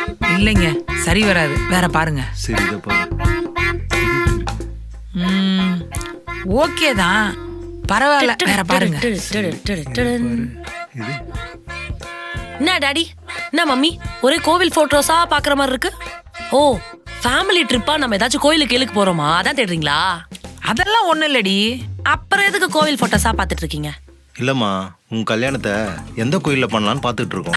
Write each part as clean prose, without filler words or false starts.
இல்லைங்க, சரி வராது, வேற பாருங்க. சரி இதை பாரு. ஓகே தான், பரவாயில்ல, வேற பாருங்க. இது என்ன டாடி, என்ன மம்மி, ஒரே கோவில் போட்டோஸா பாக்குற மாதிரி இருக்கு. ஓ, ஃபேமிலி ட்ரிப்பா நம்ம ஏதாச்சும் கோயிலுக்கு கேளுக்கு போறோமா, அதான் தேடுறீங்களா? அதெல்லாம் ஒண்ணு இல்லடி. அப்புறம் எதுக்கு கோவில் போட்டோஸா பாத்துட்டு இருக்கீங்க? இல்லம்மா, உன் கல்யாணத்தை எந்த கோயில்ல பண்ணலான்னு பாத்துட்டு இருக்கோம்.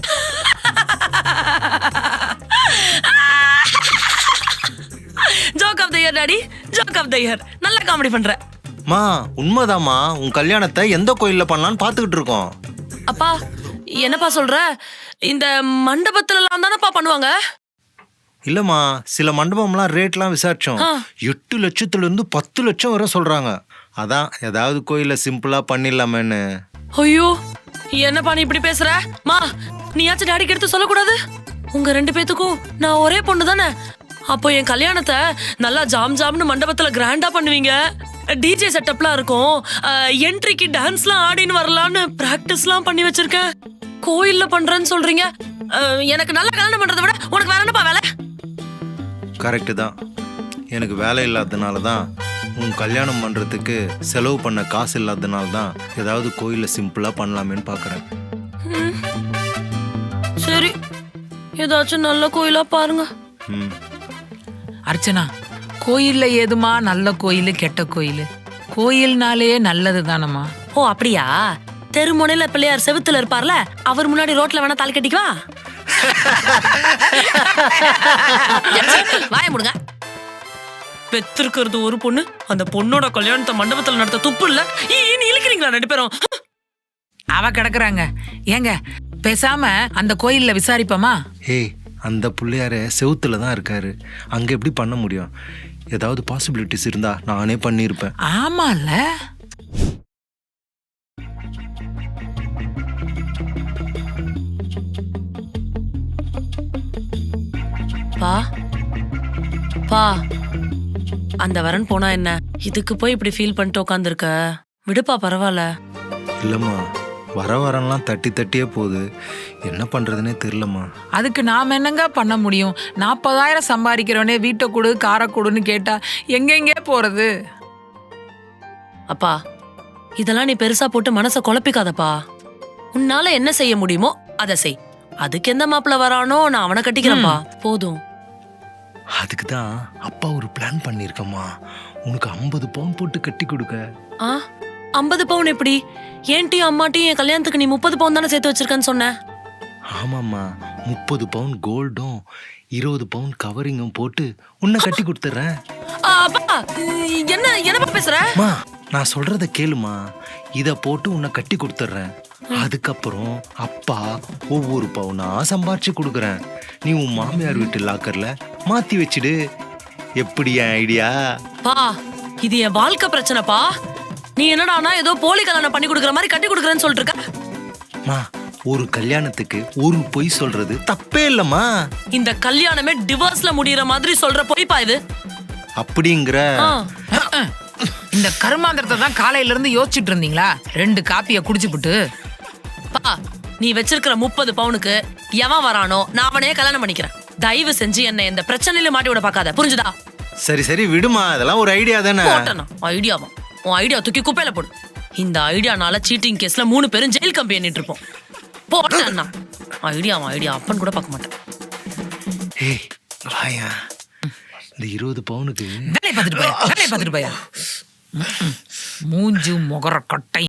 Joke of the year daddy, joke of the year. நல்ல காமெடி பண்ற. மா உண்மைதாம்மா, உன் கல்யாணத்தை எந்த கோயில்ல பண்ணலான்னு பாத்துக்கிட்டு இருக்கோம். அப்பா என்னப்பா சொல்ற? இந்த மண்டபத்துல எல்லாம் தானப்பா பண்ணுவாங்க. இல்லம்மா, சில மண்டபம்லாம் ரேட்லாம் விசாரிச்சோம். 8 லட்சத்துல இருந்து 10 லட்சம் வரை சொல்றாங்க. அதான் ஏதாவது கோயில்ல சிம்பிளா பண்ணிடலாமேன்னு. ஐயோ, என்னப்பா நீ இப்படி பேசுற? மா, நீயாச்சும் டாடிக்கு எடுத்து சொல்லக்கூடாது? உங்க 2 பேத்துக்கும் நான் ஒரே பொண்ணு தானே. அப்போ என் கல்யாணத்தை நல்லா ஜாம் ஜாம்னு மண்டபத்துல கிராண்டா பண்ணுவீங்க. டிஜே செட்டப்லாம் இருக்கும். என்ட்ரிக்கு டான்ஸ்லாம் ஆடின்னு வரலான்னு பிராக்டிஸ்லாம் பண்ணி வச்சிருக்கேன். கோயில்ல பண்றேன்னு சொல்றீங்க. எனக்கு நல்லா கல்யாணம் பண்றதை விட உனக்கு வேற என்னப்பா வேலை? கரெக்டு தான். எனக்கு வேலை இல்லாததுனால தான், உன் கல்யாணம் பண்றதுக்கு செலவு பண்ண காசு இல்லாததுனால தான் ஏதாவது கோயில்ல சிம்பிளா பண்ணலாமேன்னு பாக்குறேன். சரி, ஏதாச்சும் நல்ல கோயிலா பாருங்க. அர்ச்சனா, கோயில்ல ஏதுமா நல்ல கோயில் கெட்ட கோயில்? கோயில்னாலே நல்லது தானம்மா. ஓ அப்படியா? தெருமுனையில பிள்ளையார் செவுத்துல இருப்பார்ல, அவர் முன்னாடி ரோட்ல வேணா தாலி கட்டிக்குவா. வாய முடுங்க. பெத்திருக்கிறது ஒரு பொண்ணு, அந்த பொண்ணோட கல்யாணத்தை மண்டபத்துல நடத்த துப்பு இல்ல. நீ இழுக்கிறீங்களா 2 பேரும்? அவ கிடக்குறாங்க. ஏங்க பேசாம அந்த கோயில்ல விசாரிப்போமா? ஏய், அந்த பிள்ளையார செவுத்துல தான் இருக்காரு, அங்க எப்படி பண்ண முடியும்? ஏதாவது பாசிபிலிட்டிஸ் இருந்தா நானே பண்ணிருப்பேன். ஆமால. பா பா, அந்த வரன் போனா என்ன, இதுக்கு போய் இப்படி ஃபீல் பண்ணிட்டு உட்காந்துருக்க. விடுப்பா, பரவாயில்ல. இல்லம்மா, வரலாம் தட்டி தட்டியே போகுது, என்ன பண்றதுன்னே தெரியலம்மா. அதுக்கு நாம என்னங்க பண்ண முடியும்? 40,000 சம்பாதிக்கிறவனே வீட்டை கொடு காரை கொடுன்னு கேட்டா எங்கெங்கே போறது? அப்பா, இதெல்லாம் நீ பெருசா போட்டு மனசை குழப்பிக்காதப்பா. உன்னால என்ன செய்ய முடியுமோ அதை செய். அதுக்கு எந்த மாப்பிள்ள வரானோ நான் அவனை கட்டிக்கிறேன்ப்பா, போதும். அதுக்கு தான் அப்பா ஒரு பிளான் பண்ணிருக்கம்மா, உனக்கு 50 பவுன் போட்டு கட்டி கொடுக்க. 50 பவுன் எப்படி? ஏன்ட்டியும் அம்மாட்டியும் என் கல்யாணத்துக்கு நீ 30 பவுன் தானே சேர்த்து வச்சிருக்கேன்னு சொன்ன. ஆமாம்மா, 30 பவுன் கோல்டும் 20 பவுன் கவரிங்கும் போட்டு உன்னை கட்டி கொடுத்துறேன். அப்பா என்னப்பா பேசுற? நான் சொல்றத கேளுமா, இத போட்டு உன்னை கட்டி கொடுத்துறேன். அதுக்கப்புறம் அப்பா ஒவ்வொரு பவுனா சம்பாரிச்சு கொடுக்குறேன். நீ உன் மாமியார் வீட்டு லாக்கர்ல மாத்தி வச்சிடு. எப்படி ஐடியா? பா, இது என் வாழ்க்கை பிரச்சனைப்பா. நீ என்னடானா ஏதோ போலி கல்யாணம் பண்ணி கொடுக்குற மாதிரி கட்டி கொடுக்குறேன்னு சொல்லிட்டு இருக்க. ஒரு கல்யாணத்துக்கு ஒரு பொய் சொல்றது தப்பே இல்லம்மா. இந்த கல்யாணமே டிவோர்ஸ்ல முடியற மாதிரி சொல்ற பொய்ப்பா இது. அப்படிங்கிற இந்த கருமாந்திரத்தை தான் காலையில இருந்து யோசிச்சுட்டு இருந்தீங்களா? 2 காப்பிய குடிச்சுப்புட்டு. பா, நீ வச்சிருக்கிற 30 பவுனுக்கு எவன் வரானோ நான் அவனையே கல்யாணம் பண்ணிக்கிறேன். தயவு செஞ்சு என்ன இந்த பிரச்சனையில மாட்டி விட பாக்காத, புரிஞ்சுதா? சரி சரி விடுமா, அதெல்லாம் ஒரு ஐடியா தானே. ஐடியாவா? உன் ஐடியா தூக்கி குப்பையில போடு. இந்த ஐடியானால சீட்டிங் கேஸ்ல 3 பேரும் ஜெயில் கம்பி எண்ணிட்டு இருப்போம். போட்டேன்னா ஐடியா அப்பன் கூட பார்க்க மாட்டேன். இந்த 20 பவுனுக்கு வேலையை பார்த்துட்டு போயா மூஞ்சு முகர கட்டை